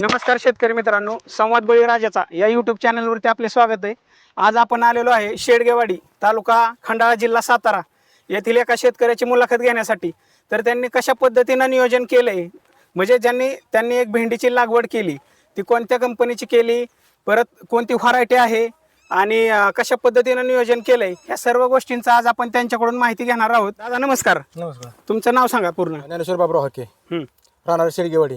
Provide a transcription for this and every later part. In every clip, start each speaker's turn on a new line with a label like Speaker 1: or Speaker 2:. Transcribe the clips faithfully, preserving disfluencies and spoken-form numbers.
Speaker 1: नमस्कार शेतकरी मित्रांनो, संवाद बळीराजाचा या यूट्यूब चॅनलवरती आपले स्वागत आहे। आज आपण आलेलो आहे शेडगेवाडी, तालुका खंडाळा, जिल्हा सातारा येथील एका शेतकऱ्याची मुलाखत घेण्यासाठी। तर त्यांनी कशा पद्धतीने नियोजन केलंय, म्हणजे ज्यांनी त्यांनी एक भेंडीची लागवड केली, ती कोणत्या कंपनीची केली, परत कोणती व्हरायटी आहे आणि कशा पद्धतीने नियोजन केलंय, या सर्व गोष्टींचा आज आपण त्यांच्याकडून माहिती घेणार आहोत। दादा नमस्कार।
Speaker 2: नमस्कार।
Speaker 1: तुमचं नाव सांगा पूर्ण।
Speaker 2: ज्ञानेश्वर बाबराव हाके,
Speaker 1: हं.
Speaker 2: राहणार शेडगेवाडी।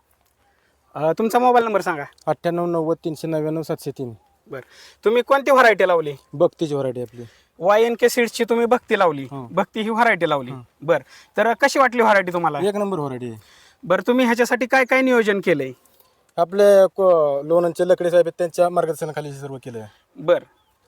Speaker 1: अ, तुमचा मोबाईल नंबर सांगा।
Speaker 2: अठ्ठ्याण्णव नव्वद तीनशे नव्याण्णव सातशे तीन।
Speaker 1: बरं, तुम्ही कोणती व्हरायटी लावली?
Speaker 2: बघतीची व्हरायटी आपली
Speaker 1: वाय एन के सीड्सची तुम्ही भक्ती लावली।
Speaker 2: हं.
Speaker 1: भक्ती ही व्हरायटी लावली। बरं, तर कशी वाटली व्हरायटी तुम्हाला?
Speaker 2: एक नंबर व्हरायटी आहे।
Speaker 1: बरं, तुम्ही ह्याच्यासाठी काय काय नियोजन केलंय?
Speaker 2: आपले लोणंदचे लकडे साहेब आहेत, त्यांच्या मार्गदर्शनाखाली हे सर्व केलं आहे।
Speaker 1: बरं,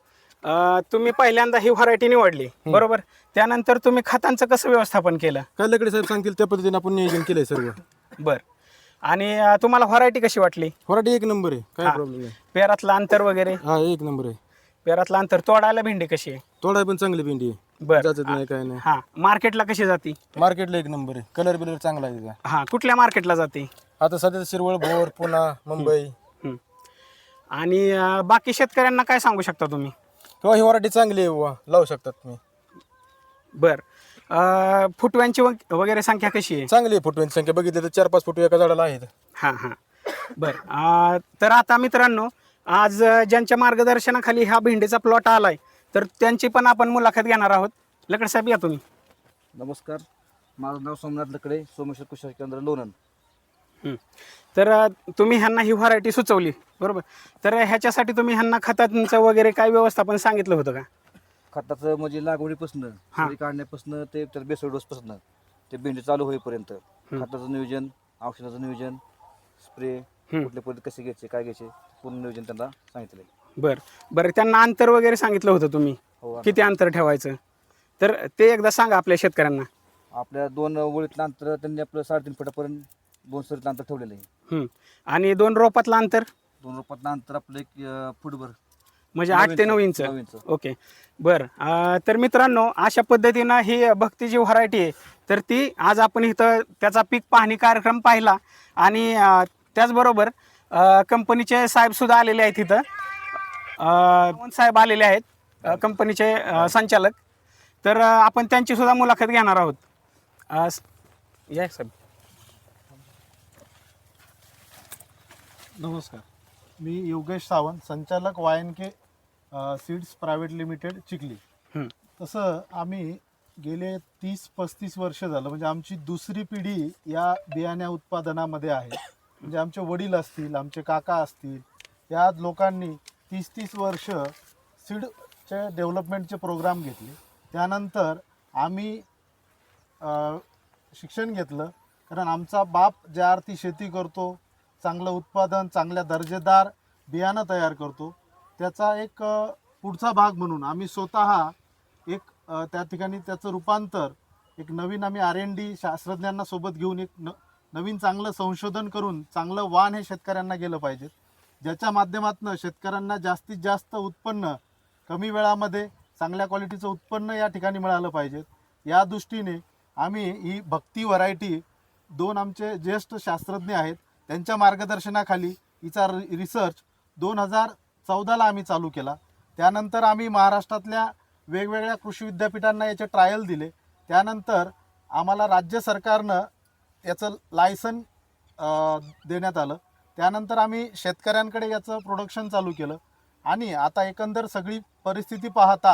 Speaker 1: अ, तुम्ही पहिल्यांदा ही व्हरायटी निवडली, बरोबर? त्यानंतर तुम्ही खतांचं कसं व्यवस्थापन केलं?
Speaker 2: काय लकडे साहेब सांगतील त्या पद्धतीने आपण नियोजन केलंय सर्व।
Speaker 1: बरं, आणि अ, तुम्हाला व्हरायटी कशी वाटली?
Speaker 2: व्हरायटी एक नंबर आहे, काय
Speaker 1: हा.
Speaker 2: प्रॉब्लेम नाही।
Speaker 1: पेरातलं अंतर वगैरे?
Speaker 2: हा, एक नंबर आहे।
Speaker 1: पेरातलं अंतर तोडायला भेंडी कशी आहे?
Speaker 2: तोडाय पण चांगली भेंडी आहे,
Speaker 1: बरं,
Speaker 2: जाचत नाही काय नाही।
Speaker 1: हा, मार्केटला कशी जाती?
Speaker 2: मार्केटला एक नंबर आहे, कलर बिलर चांगला आहे त्याचा।
Speaker 1: हा, कुठल्या मार्केटला जाते?
Speaker 2: आता सध्या शिरवळ, भोर, पुणा, मुंबई।
Speaker 1: हं. आणि अ, बाकी शेतकऱ्यांना काय सांगू शकता तुम्ही?
Speaker 2: किंवा ही व्हरायटी चांगली आहे बुवा, लावू शकतात तुम्ही।
Speaker 1: बर, अ, फुटव्यांची वग- वगैरे संख्या कशी आहे?
Speaker 2: चांगली आहे फुटव्यांची संख्या, बघितली तर चार पाच फुटवे एका झाडाला आहेत।
Speaker 1: हां हां, बर, अ, तर आता मित्रांनो, आज अ, ज्यांच्या मार्गदर्शनाखाली हा भेंडीचा प्लॉट आलाय, तर त्यांची पण आपण मुलाखत घेणार आहोत। लकड साहेब, या तुम्ही।
Speaker 3: नमस्कार, माझं नाव सोमनाथ लकडे, सोमेश्वर कृषी केंद्र लोणंद।
Speaker 1: हं. तर अ, तुम्ही ह्यांना ही व्हरायटी सुचवली, बरोबर? तर ह्याच्यासाठी तुम्ही ह्यांना खतांचं वगैरे काय व्यवस्थापन सांगितलं होतं का?
Speaker 3: खताचं म्हणजे लागवडीपासून
Speaker 1: हा.
Speaker 3: सुरी काढण्यापासून ते तर बेसळ डोसपासून ते भेंडी चालू होईपर्यंत खताचं नियोजन, औषधाचं नियोजन, स्प्रे
Speaker 1: हं.
Speaker 3: कुठल्या पद्धती कसे घ्यायचे, काय घ्यायचे, पूर्ण नियोजन त्यांना सांगितलं।
Speaker 1: बर बरं, त्यांना अंतर वगैरे सांगितलं होतं तुम्ही,
Speaker 3: हो,
Speaker 1: किती अंतर ठेवायचं? तर ते एकदा सांगा आपल्या शेतकऱ्यांना।
Speaker 3: आपल्या दोन ओळीतलं अंतर त्यांनी आपलं साडेतीन फुटापर्यंत दोन सरीतलं अंतर ठेवलेलं आहे।
Speaker 1: हं. आणि दोन रोपातलं अंतर
Speaker 3: दोन रोपातलं अंतर आपलं एक अं, फुटभर,
Speaker 1: म्हणजे आठ ते नऊ इंच।
Speaker 3: नऊ इंच।
Speaker 1: ओके, बरं, अ, तर मित्रांनो, अशा पद्धतीनं ही भक्ती जी व्हरायटी आहे, तर ती आज आपण इथं त्याचा पीक पाहणी कार्यक्रम पाहिला। आणि अ, त्याचबरोबर अ, कंपनीचे साहेबसुद्धा आलेले आहेत इथं। अ, साहेब आलेले आहेत, अ, कंपनीचे अ, संचालक। तर अ, आपण त्यांची सुद्धा मुलाखत घेणार आहोत। अ, स- या साहेब।
Speaker 4: नमस्कार, मी योगेश सावंत, संचालक Y N K seeds private limited, Chikhli.
Speaker 1: हं.
Speaker 4: तसं आम्ही गेले तीस पस्तीस वर्ष झालं, म्हणजे आमची दुसरी पिढी या बियाण्या उत्पादनामध्ये आहे। म्हणजे आमचे वडील असतील, आमचे काका असतील, या लोकांनी तीस तीस वर्ष सीडचे डेव्हलपमेंटचे प्रोग्राम घेतले। त्यानंतर आम्ही अ, शिक्षण घेतलं, कारण आमचा बाप ज्या अर्थी शेती करतो, चांगलं उत्पादन, चांगल्या दर्जेदार बियाणं तयार करतो, त्याचा एक अ, पुढचा भाग म्हणून आम्ही स्वतः एक अ, त्या ठिकाणी त्याचं रूपांतर एक नवीन आम्ही आर एन डी शास्त्रज्ञांना सोबत घेऊन एक न नवीन चांगलं संशोधन करून चांगलं वाण हे शेतकऱ्यांना गेलं पाहिजे, ज्याच्या माध्यमातून शेतकऱ्यांना जास्तीत जास्त उत्पन्न कमी वेळामध्ये चांगल्या क्वालिटीचं उत्पन्न या ठिकाणी मिळालं पाहिजे। या दृष्टीने आम्ही ही भक्ती व्हरायटी, दोन आमचे ज्येष्ठ शास्त्रज्ञ आहेत, त्यांच्या मार्गदर्शनाखाली हिचा रि रिसर्च दोन हजार चौदाला आम्ही चालू केला। त्यानंतर आम्ही महाराष्ट्रातल्या वेगवेगळ्या कृषी विद्यापीठांना याचे ट्रायल दिले। त्यानंतर आम्हाला राज्य सरकारनं याचं लायसन देण्यात आलं। त्यानंतर आम्ही शेतकऱ्यांकडे याचं प्रोडक्शन चालू केलं। आणि आता एकंदर सगळी परिस्थिती पाहता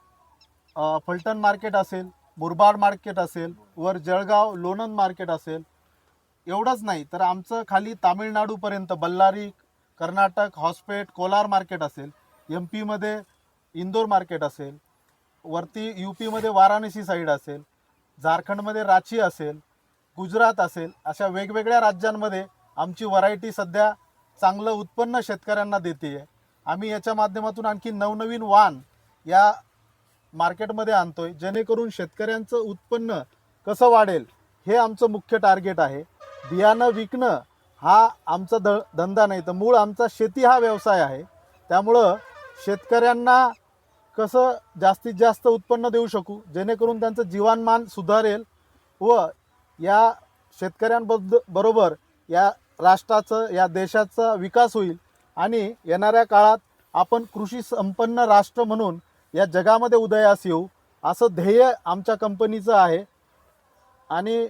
Speaker 4: अ, फलटण मार्केट असेल, मुरबाड मार्केट असेल, वर जळगाव लोणंद मार्केट असेल, एवढंच नाही तर आमचं खाली तामिळनाडूपर्यंत बल्लारी, कर्नाटक, हॉस्पेट, कोलार मार्केट असेल, एम पीमध्ये इंदोर मार्केट असेल, वरती यू पीमध्ये वाराणसी साईड असेल, झारखंडमध्ये रांची असेल, गुजरात असेल, अशा वेगवेगळ्या राज्यांमध्ये आमची व्हरायटी सध्या चांगलं उत्पन्न शेतकऱ्यांना देते आहे। आम्ही याच्या माध्यमातून आणखी नवनवीन वाण या मार्केटमध्ये आणतोय, जेणेकरून शेतकऱ्यांचं उत्पन्न कसं वाढेल हे आमचं मुख्य टार्गेट आहे। बियाणं विकणं हा आमचा द धंदा नाही, तर मूळ आमचा शेती हा व्यवसाय आहे। त्यामुळं शेतकऱ्यांना कसं जास्तीत जास्त उत्पन्न देऊ शकू, जेणेकरून त्यांचं जीवनमान सुधारेल व या शेतकऱ्यांबद्द बरोबर या राष्ट्राचं या देशाचा विकास होईल आणि येणाऱ्या काळात आपण कृषी संपन्न राष्ट्र म्हणून या जगामध्ये उदयास येऊ असं ध्येय आमच्या कंपनीचं आहे. आणि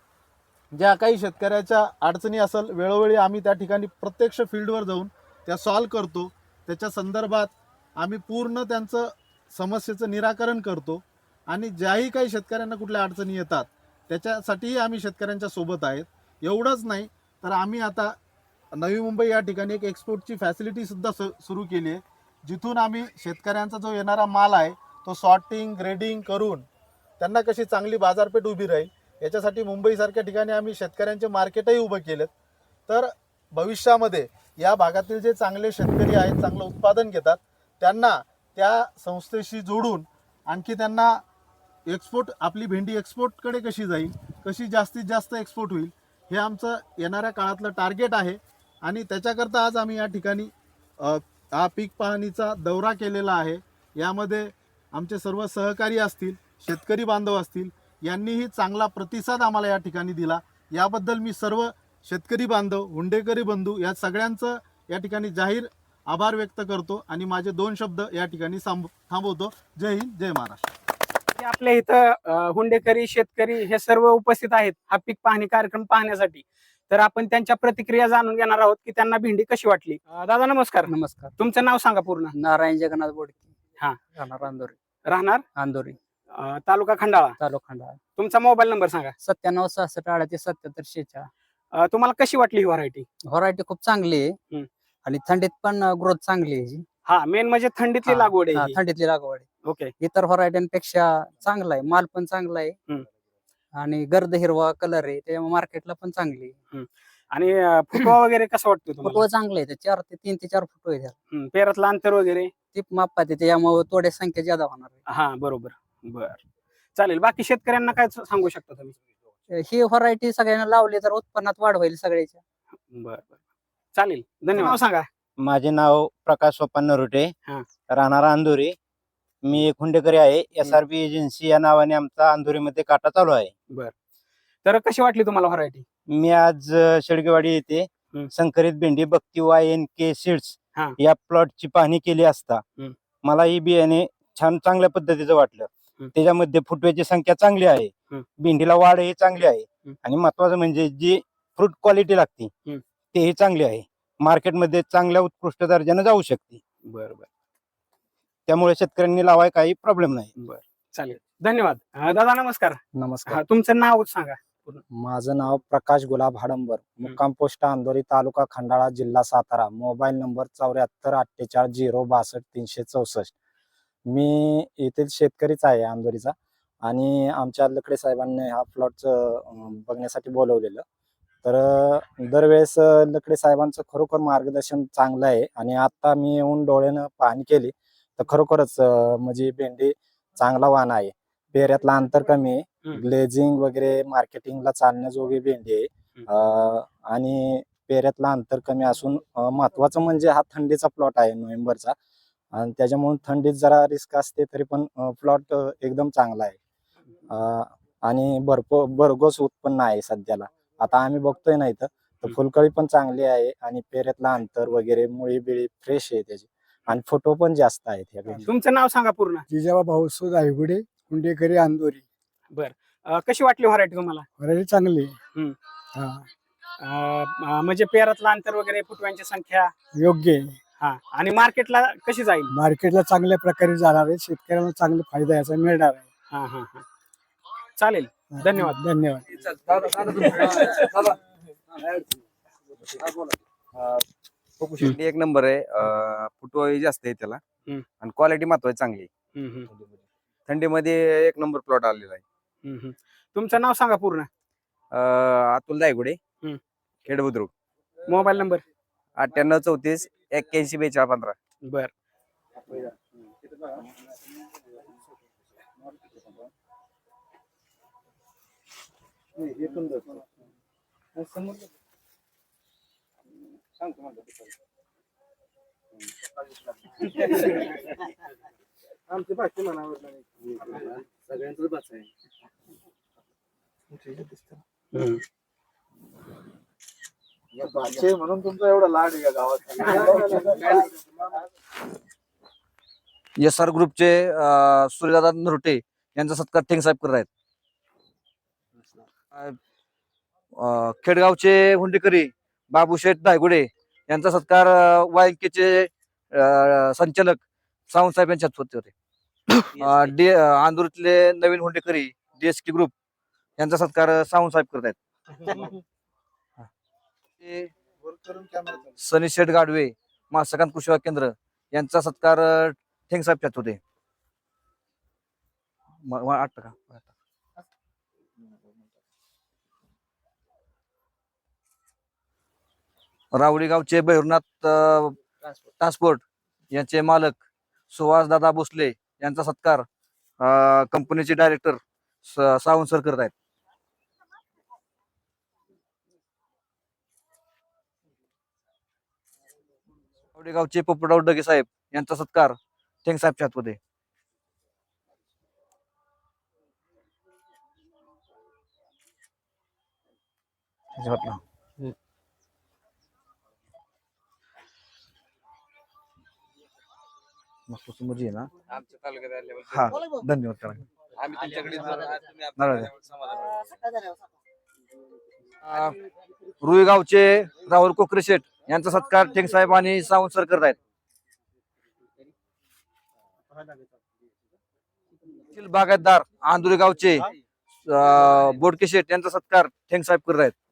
Speaker 4: ज्या काही शेतकऱ्याच्या अडचणी असेल वेळोवेळी आम्ही त्या ठिकाणी प्रत्यक्ष फील्डवर जाऊन त्या सॉल्व करतो. त्याच्या संदर्भात आम्ही पूर्ण त्यांचं समस्येचं निराकरण करतो आणि ज्याही काही शेतकऱ्यांना कुठल्या अडचणी येतात त्याच्यासाठीही आम्ही शेतकऱ्यांच्या सोबत आहेत. एवढंच नाही तर आम्ही आता नवी मुंबई या ठिकाणी एक एक्सपोर्टची फॅसिलिटीसुद्धा स सुरू केली आहे, जिथून आम्ही शेतकऱ्यांचा जो येणारा माल आहे तो सॉर्टिंग ग्रेडिंग करून त्यांना कशी चांगली बाजारपेठ उभी राहील याच्यासाठी मुंबईसारख्या ठिकाणी आम्ही शेतकऱ्यांचे मार्केटही उभं केलेत. तर भविष्यामध्ये या भागातील जे चांगले शेतकरी आहेत चांगलं उत्पादन घेतात त्यांना त्या संस्थेशी जोडून आणखी त्यांना एक्सपोर्ट आपली भेंडी एक्सपोर्टकडे कशी जाईल, कशी जास्तीत जास्त एक्सपोर्ट होईल हे आमचं येणाऱ्या काळातलं टार्गेट आहे. आणि त्याच्याकरता आज आम्ही या ठिकाणी अ, हा पीक पाहणीचा दौरा केलेला आहे. यामध्ये आमचे सर्व सहकारी असतील, शेतकरी बांधव असतील, यांनीही चांगला प्रतिसाद आम्हाला या ठिकाणी दिला. याबद्दल मी सर्व शेतकरी बांधव, हुंडेकरी बंधू या सगळ्यांचं या ठिकाणी जाहीर आभार व्यक्त करतो आणि माझे दोन शब्द या ठिकाणी सांब थांबवतो. जय हिंद, जय महाराष्ट्र.
Speaker 1: जे आपल्या इथं अं, हुंडेकरी शेतकरी हे सर्व उपस्थित आहेत हा पीक पाहणी कार्यक्रम पाहण्यासाठी. तर आपण त्यांच्या प्रतिक्रिया जाणून घेणार आहोत की त्यांना भेंडी कशी वाटली. अं, दादा नमस्कार.
Speaker 5: नमस्कार.
Speaker 1: तुमचं नाव सांगा पूर्ण.
Speaker 5: नारायण जगन्नाथ बोडके.
Speaker 1: हा.
Speaker 5: राहणार अंदोरी.
Speaker 1: राहणार
Speaker 5: अंदोरी
Speaker 1: अं, तालुका खंडाळा.
Speaker 5: तालुका खंडाळा.
Speaker 1: तुमचा मोबाईल नंबर सांगा.
Speaker 5: सत्त्याण्णव सहासष्ट अडतीस सत्याहत्तर शेहेचाळ.
Speaker 1: अं, तुम्हाला कशी वाटली ही व्हरायटी.
Speaker 5: व्हरायटी खूप चांगली आहे
Speaker 1: हम्म.
Speaker 5: आणि थंडीत पण ग्रोथ चांगली आहे याची.
Speaker 1: हा मेन म्हणजे थंडीतली
Speaker 5: हा,
Speaker 1: लागवड
Speaker 5: हा,
Speaker 1: आहे ही.
Speaker 5: थंडीतली लागवड आहे.
Speaker 1: ओके.
Speaker 5: इतर व्हरायट्यांपेक्षा चांगला आहे, माल पण चांगला आहे
Speaker 1: हम्म.
Speaker 5: आणि गर्द हिरवा कलर आहे त्याच्यामुळे मार्केटला पण चांगली आहे.
Speaker 1: आणि अं, फुटवा वगैरे कसं वाटतं तुम्हाला.
Speaker 5: फुटवा चांगले आहे, चार ते तीन ते चार फुटवे आहे.
Speaker 1: हं, पेरातलं अंतर वगैरे.
Speaker 5: ती मापात आहे त्याच्यामुळे तोड्या संख्या ज्यादा होणार
Speaker 1: हा बरोबर. बर चालेल. बाकी शेतकऱ्यांना काय सांगू शकता तुम्ही.
Speaker 5: आहे. ही व्हरायटी सगळ्यांना लावली तर उत्पन्नात वाढ होईल सगळ्याच्या.
Speaker 1: बर बर चालेल. धन्यवाद. नाव सांगा.
Speaker 6: माझे नाव प्रकाश सोपान नरोटे,
Speaker 1: हा.
Speaker 6: राहणार अंधोरी. मी एक हुंडेकरी आहे. एस आर बी एजन्सी या नावाने आमचा अंधोरीमध्ये काटा चालू आहे.
Speaker 1: बर तर कशी वाटली तुम्हाला व्हरायटी.
Speaker 6: मी आज अ, शेडगेवाडी येथे
Speaker 1: हम्म.
Speaker 6: संकरित भेंडी बक्ती वाय एन के सीड्स
Speaker 1: हा.
Speaker 6: या प्लॉटची पाहणी केली असता
Speaker 1: हम्म.
Speaker 6: मला ही बियाणे छान चांगल्या पद्धतीचं वाटलं.
Speaker 1: हम्म.
Speaker 6: त्याच्यामध्ये फुटव्याची संख्या चांगली आहे,
Speaker 1: हम्म.
Speaker 6: भेंडीला वाढ ही चांगली आहे
Speaker 1: हम्म.
Speaker 6: आणि महत्वाचं म्हणजे जी फ्रूट क्वालिटी लागते
Speaker 1: हम्म.
Speaker 6: तेही चांगली आहे. मार्केटमध्ये चांगल्या उत्कृष्ट दर्जाने जाऊ शकते.
Speaker 1: बर बर
Speaker 6: त्यामुळे शेतकऱ्यांनी लावाय काही प्रॉब्लेम नाही.
Speaker 1: बर चालेल. धन्यवाद. अं, दादा नमस्कार.
Speaker 7: नमस्कार.
Speaker 1: हा, तुमचं नाव सांगा.
Speaker 7: माझं नाव प्रकाश गुलाब हाडंबर, मुक्काम पोस्ट अंधोरी, तालुका खंडाळा, जिल्हा सातारा. मोबाईल नंबर चौऱ्याहत्तर अठ्ठेचाळीस झिरो बासष्ट तीनशे चौसष्ट. मी येथील शेतकरीच आहे अंधोरीचा आणि आमच्या लकडे साहेबांनी हा प्लॉट बघण्यासाठी बोलवलेलं. तर अं, दरवेळेस अं, लकडे साहेबांचं खरोखर मार्गदर्शन चांगलं आहे आणि आता मी येऊन डोळ्यानं पाहणी केली तर खरोखरच अं, म्हणजे भेंडी चांगला वाण आहे. पेऱ्यातला अंतर कमी आहे,
Speaker 1: हम्म.
Speaker 7: ग्लेझिंग वगैरे मार्केटिंगला चालण्याजोगी भेंडी आहे. अं, आणि पेऱ्यातला अंतर कमी असून अं, महत्वाचं म्हणजे हा थंडीचा प्लॉट आहे नोव्हेंबरचा आणि त्याच्यामुळे थंडीत जरा रिस्क असते तरी पण प्लॉट एकदम चांगला आहे. अं, आणि भरपूर भरघोस उत्पन्न आहे सध्याला. आता आम्ही बघतोय ना इथं तर फुलकळी पण चांगली आहे आणि पेऱ्यातला अंतर वगैरे मुळी बिळी फ्रेश आहे त्याची आणि फोटो पण जास्त आहेत या भेंडीत.
Speaker 1: तुमचं नाव सांगा पूर्ण.
Speaker 8: जिजाबा भाऊसो दायगुडे, हुंडेकरी अंधोरी.
Speaker 1: अं, कशी वाटली व्हरायटी तुम्हाला.
Speaker 8: व्हरायटी चांगली.
Speaker 1: हम्म.
Speaker 8: हा,
Speaker 1: अं, अं, म्हणजे पेरातलं अंतर वगैरे फुटव्यांची संख्या.
Speaker 8: योग्य आहे.
Speaker 1: हा आणि मार्केटला कशी जाईल.
Speaker 8: मार्केटला चांगल्या प्रकारे जाणार आहे, शेतकऱ्यांना चांगला फायदा याचा मिळणार आहे.
Speaker 1: हा हा हा चालेल. धन्यवाद.
Speaker 8: धन्यवाद.
Speaker 3: बघू शकते एक नंबर आहे. अं, फुटवा जास्त आहे त्याला
Speaker 1: हम्म.
Speaker 3: आणि क्वालिटी महत्वाची चांगली आहे.
Speaker 1: हम्म, हम्म,
Speaker 3: थंडीमध्ये एक नंबर प्लॉट आलेला आहे.
Speaker 1: हम्म, हम्म. तुमचं नाव सांगा पूर्ण.
Speaker 3: अं, अतुल दायगुडे,
Speaker 1: हम्म.
Speaker 3: खेड बुद्रुक.
Speaker 1: Mobile number.
Speaker 3: अठ्ठ्याण्णव चौतीस एक्क्याऐंशी बेचाळीस पंधरा.
Speaker 1: बर
Speaker 4: भाचे म्हणून तुमचा एवढा लाड आहे का गावात?
Speaker 3: एस आर ग्रुपचे अं, सूर्यदादा नरोटे यांचा सत्कार ठेंग साहेब करत आहेत. अं, खेडगावचे हुंडेकरी बाबूशेठ धायगुडे यांचा सत्कार वायकेचे संचालक सावंत साहेब यांच्या होते होते. अं, डी आंदूरतले नवीन हुंडेकरी डीएसके ग्रुप यांचा सत्कार सावंत साहेब करत आहेत. ते सनी शेठ गाडवे मासकांत कृषी सेवा केंद्र यांचा सत्कार ठेंग साहेब होते. म- म- आठ टक्का रावडी गावचे भैरवनाथ अं, ट्रान्सपोर्ट यांचे मालक सुहास दादा भोसले यांचा सत्कार अं, कंपनीचे डायरेक्टर स- सावंत सर करत आहेत. रावडी गावचे पोपटराव डगे साहेब यांचा सत्कार ठेंग साहेबच्या हातमध्ये. मस्त मुजी आहे ना. हा धन्यवाद करा. नारळ द्या. अं, रुई गावचे राहुल कोकरे शेठ यांचा सत्कार ठेंग साहेब आणि सावंत सर करत आहेत. बागायतदार आंधुरी गावचे अं, बोडके शेठ यांचा सत्कार ठेंग साहेब करत आहेत.